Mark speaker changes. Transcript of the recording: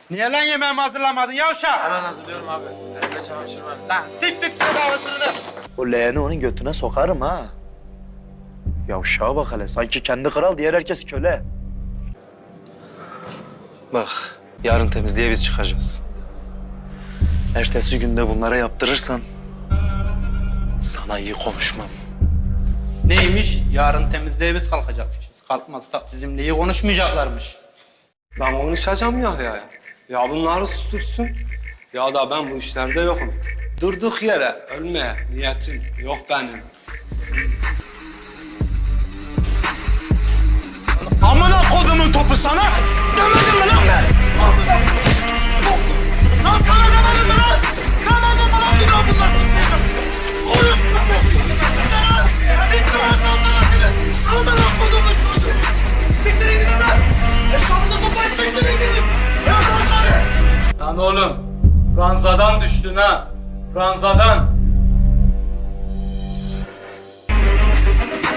Speaker 1: Niye lan yemeğimi hazırlamadın yavşak?
Speaker 2: Hemen hazırlıyorum abi. Elimde çamaşır var.
Speaker 1: Lan siktir tedavasını.
Speaker 3: O leğeni onun götüne sokarım ha. Yavşağa bak hele. Sanki kendi kral, diğer herkes köle. Bak, yarın temizliğe biz çıkacağız. Ertesi günde bunlara yaptırırsan sana iyi konuşmam.
Speaker 1: Neymiş? Yarın temizliğe biz kalkacakmışız. Kalkmazsak bizimle iyi konuşmayacaklarmış.
Speaker 4: Ben konuşacağım ya. Ya bunları sustursun. Ya da ben bu işlerde yokum. Durduk yere ölmeye niyetim yok benim.
Speaker 1: Amına kodumun topu sana! Demedim mi lan ben? Lan sana demedim mi lan? Demedim mi lan bir daha bunlar çıkmayacak? Orospu çocuğu! Bitti lan sandınız! Amına kodumun çocuğu! Siktirin gidin lan! Eşyamıza toplayıp siktirin gidin! Ya bunları!
Speaker 2: Lan oğlum, ranzadan düştün ha. Ranzadan.